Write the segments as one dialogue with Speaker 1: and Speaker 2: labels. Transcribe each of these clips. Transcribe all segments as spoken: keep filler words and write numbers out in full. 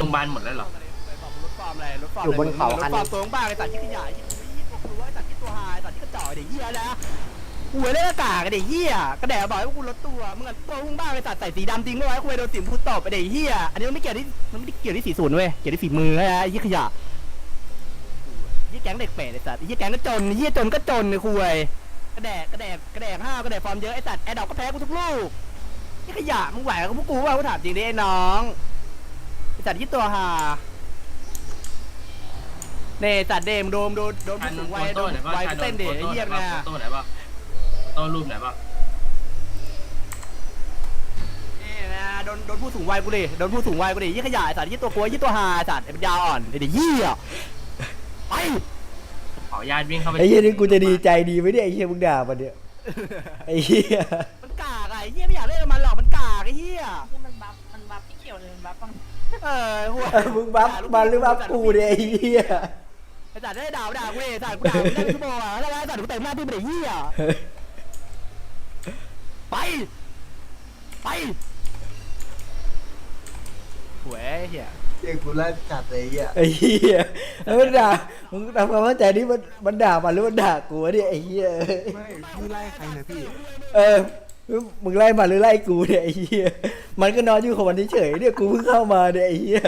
Speaker 1: รงพยาบาลหมดแล้วเหรอ
Speaker 2: รถฟอร์มอะไรรถฟอร์มอยู่บนเขาคันรถฟอร์มตัวบ้าไอ้สัตว์ที่ขยายที่ตัวไอ้สัตว์ที่ตัวหายสัตว์ที่กระจอกไอ้เหี้ยนะกูเล่นอากาศไอ้เหี้ยกระแดะบอกว่ากูลดตัวมึงตัวมึงบ้าไอ้สัตว์ใส่สีดำจริงไม่ไว้กูโดนสิมพูดตบไอ้เหี้ยอันนี้มันไม่เกี่ยวที่มันไม่ได้เกี่ยวที่สีศูนย์เว้ยเกี่ยวที่ฝีมือไอ้ยี่ขยะยี่แก๊งเด็กเป๋ไอ้สัตว์ยี่แก๊งก็จนยี่จนก็จนไอ้คุยกระแดะกระแดะกระแดะห้าวกระแดะฟอร์มเยอะไอ้สัตว์แอดดอกก็แพ้กูทุกลูกยี่ขยะมึงไหวกับพวกกูว่ากูถามจริงดิไอ้น้องไอ้สัตว์ยี่ตัวหาเน่จัดเดมโดมโดนโดนผู้สูงวัยโดนวัยเต้นเด็กเยี่ยมนะ
Speaker 1: โต้ไหนบ้างโต้รูปไหนบ้าง
Speaker 2: นี่นะโดนโดนผู้สูงวัยกูดิโดนผู้สูงวัยกูดิยี่ขยะจัดยี่ตัวกลัวยี่ตัวหาจัดไอ้ปัญญาอ่อนไอ้เด็กยี่อ่ะไป
Speaker 1: ขอญาติวิ่งเข้าไป
Speaker 3: ไอ้เหี้ยนี่กูจะดีใจดีไหมเนี่ยไอ้เหี้ยมึงด่ามันเนี่ยไอ้เหี้ย
Speaker 2: มันกากไอ้เหี้ยไม่อยากเล่นมันหรอกมันกากไอ้เหี้ย
Speaker 4: มันบัฟมันบัฟที่เขียวเลยมันบัฟบ้าง
Speaker 2: เออหัว
Speaker 3: มึงบัฟมันหรือบัฟกูเนี่ยไอ้เหี้ย
Speaker 2: ไอ้จัดได้ด่าด่าเว้ยจัดกูด่าได้ชั่วโมงอ่ะแล้วจัดกูเต็มหน้าที่เป็นไอ้เหี้ยไปไปหวยเหี้ย
Speaker 5: เรียกกูไล่จัดเลยอ่ะ
Speaker 3: ไอ้เหี้ยแล้วมันด่ามึงทำความเข้าใจนี่มันมันด่ามันหรือมันด่ากูวะเนี่ยไอ้เหี้ย
Speaker 5: ไม่พี่ไล่ใครนะพี่
Speaker 3: เออมึงไล่มันหรือไล่กูเนี่ยไอ้เหี้ยมันก็นอนอยู่ของมันเฉยๆเนี่ยกูเพิ่งเข้ามาเนี่ยไอ้เหี้ย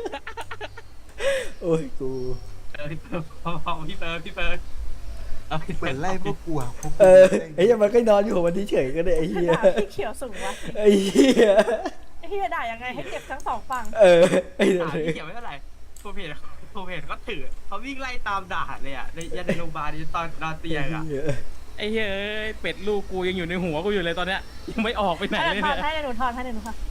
Speaker 3: โอ้ยกู
Speaker 1: เออพี่เปิร์พี่เปิร์พี่เปิร์
Speaker 5: เปิดไล่พวกกูอ่ะ
Speaker 3: เออไอ้เหี้ยมันก็นอนอยู่ของมันเฉยๆก็ได้ไอ้เหี้ย
Speaker 4: ที่เขียวสูงวะ
Speaker 3: ไอ้เหี้ย
Speaker 4: ไอ้เหี้ยด่ายังไงให้เจ็บทั้งสองฝั่ง
Speaker 3: เออไอ้
Speaker 1: ด่าพี่เขียวไม่เท่าไหร่โปรเพจโปรเพจเขาถือเขาวิ่งไล่ตามด่าเลยอ่ะในยันในโรงพยาบาลตอนนอนเตียงอ่ะ
Speaker 6: ไอ้เฮ้ยเป็ดลูกกูยังอยู่ในหัวกูอยู่เลยตอนเนี้ยยังไม่ออกไปไหนเลย
Speaker 4: เนี่ยถอดให้หนูถอดให้หนูถอด